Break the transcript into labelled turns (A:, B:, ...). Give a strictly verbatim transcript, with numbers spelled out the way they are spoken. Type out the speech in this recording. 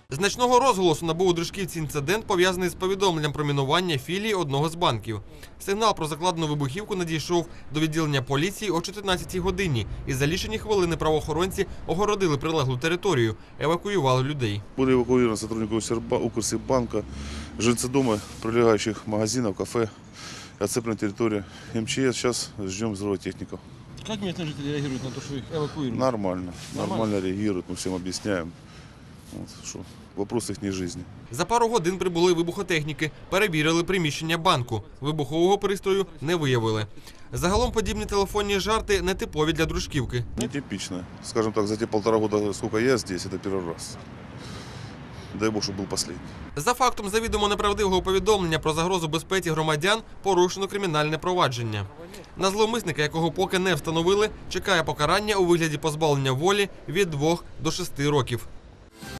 A: Значного розголосу набув у Дружківці інцидент, пов'язаний з повідомленням про мінування філії одного з банків. Сигнал про закладену вибухівку надійшов до відділення поліції о чотирнадцятій годині, і за лічені хвилини правоохоронці огородили прилеглу територію, евакуювали людей.
B: Були евакуйовані сотрудники Укрсиббанка, жильці дому, прилегаючих магазинів, кафе, оцеплена територія эм че эс. Зараз чекаємо взрывотехников.
C: Как местные жители реагируют на то, что их эвакуируют?
B: Нормально,
C: Нормально?
B: нормально реагируют, мы всем объясняем. Вот, что вопрос их жизни.
A: За пару годин прибули вибухотехніки, перевірили приміщення банку. Вибухового пристрою не виявили. Загалом подібні телефонні жарти нетипові для Дружківки.
B: Нетипично. Скажем так, за те полтора года, сколько я здесь, это первый раз. Дай Бог, чтобы был последний.
A: За фактом завідомо неправдивого повідомлення про загрозу безпеці громадян порушено кримінальне провадження. На зловмисника, якого поки не встановили, чекає покарання у вигляді позбавлення волі від двох до шести років.